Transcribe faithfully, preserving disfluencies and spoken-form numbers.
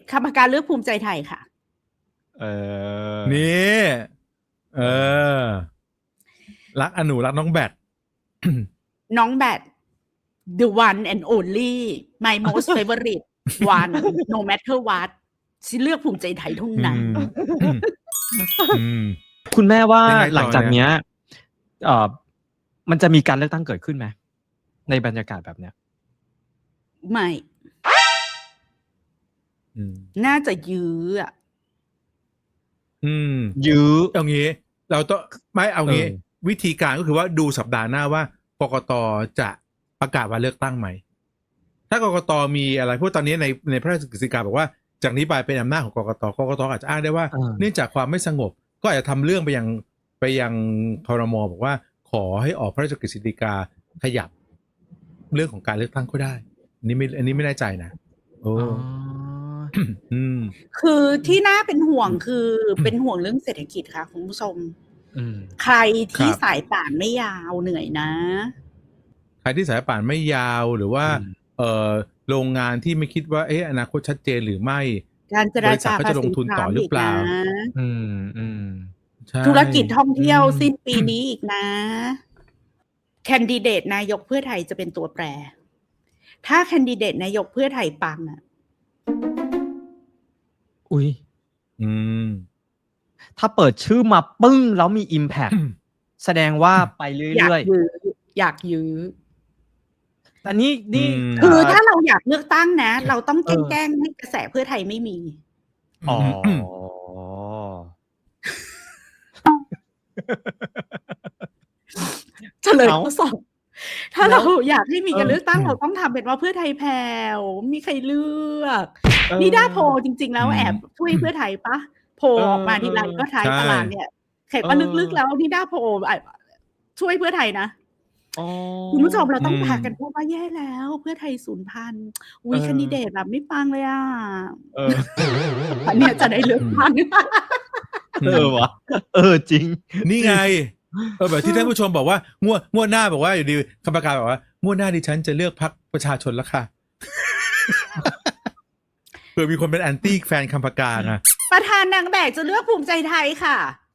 กรรมการเลือกภูมิใจไทยค่ะเออนี่เออรักอนุรักน้องแบทน้องแบท the one and only my most favorite one no matter what ฉันเลือกภูมิใจไทยเท่านั้นอืมคุณแม่ว่ายังไงต่อหลังจากเนี้ยเอ่อมันจะมีการเลือกตั้งเกิดขึ้นไหมในบรรยากาศแบบเนี้ยไม่อืมน่าจะยื้ออะอืมยื้อเอางี้ เราต้องไม่เอางี้เออวิธีการก็คือว่าดูสัปดาห์หน้าว่ากกตจะประกาศวันเลือกตั้งไหม ถ้ากกตมีอะไรเพราะตอนนี้ในในพระราชกฤษฎีกาบอกว่าจากนี้ไปเป็นอำนาจของกกตกกตอาจจะอ้างได้ว่าเออเนื่องจากความไม่สงบ ก็อาจจะทำเรื่องไปยังไปยังครม.บอกว่าขอให้ออกพระราชกฤษฎีกาขยับเรื่องของการเลือกตั้งก็ได้อันนี้ไม่อันนี้ไม่แน่ใจนะโอ้อ๋ออืมคือที่น่าเป็นห่วงคือเป็นห่วงเรื่องเศรษฐกิจค่ะคุณผู้ชมอืมใครที่ครับสายป่านไม่ยาวเหนื่อยนะใครที่สายป่านไม่ยาวหรือว่าอืมเอ่อโรงงานที่ไม่คิดว่าเอ๊ะอนาคตชัดเจนหรือไม่การเจบราริษัทจาเขาภาจะลษีงทุนทรัต่อมป์หรืออีกเปล่านะอืมอืมใช่ธุรกิจท่องเที่ยวอืมสิ้นปีนี้อีกนะ แคนดิเดตนายกเพื่อไทยจะเป็นตัวแปร ถ้าแคนดิเดตนายกเพื่อไทยปังอ่ะอุ้ยอืมถ้าเปิดชื่อมาปึ้งแล้วมี impact แสดงว่าไปอยากเรื่อยยื้ออยากยื้อๆแต่นี่นี่อืมคือถ้าเราอยากเลือกตั้งนะ เราต้องเออแกล้งๆให้กระแสเพื่อไทยไม่มีอ๋อเฉลยเอ้าข้อสอบถ้าแล้เราวอยากให้มีการเออเลือกตั้งเราต้องทำเป็นว่าเพื่อไทยแผ่วมีใครเลือกเออนิด้าโพลจริง ๆ แล้วอืมแอบช่วยเพื่อไทยปะโพลเออออกมาทีไรเออก็ท้ายใช่ตารางเนี่ยแขกว่าเออลึกๆแล้วนิด้าโพลอ่ะช่วยเพื่อไทยนะอ๋อคุณผู้ชมเราต้องอืมพากันพูดว่าแย่แล้วเพื่อไทยสูญพันธุ์อุ้ยเออแคนดิเดตแบบไม่ปังเลยอ่ะเอออันเนี้ยจะได้เลือกตั้งเออวะเออจริงนี่ไง เออแบบที่ท่านผู้ชมบอกว่างวดงวดหน้าบอกว่าอยู่ดีคำประกาศบอกว่างวดหน้าดิฉันจะเลือกพรรคประชาชนแล้วค่ะ เผื่อมีคนเป็นแอนตี้แฟนคำประกาศนะประธานนางแบกจะเลือกภูมิใจไทยค่ะ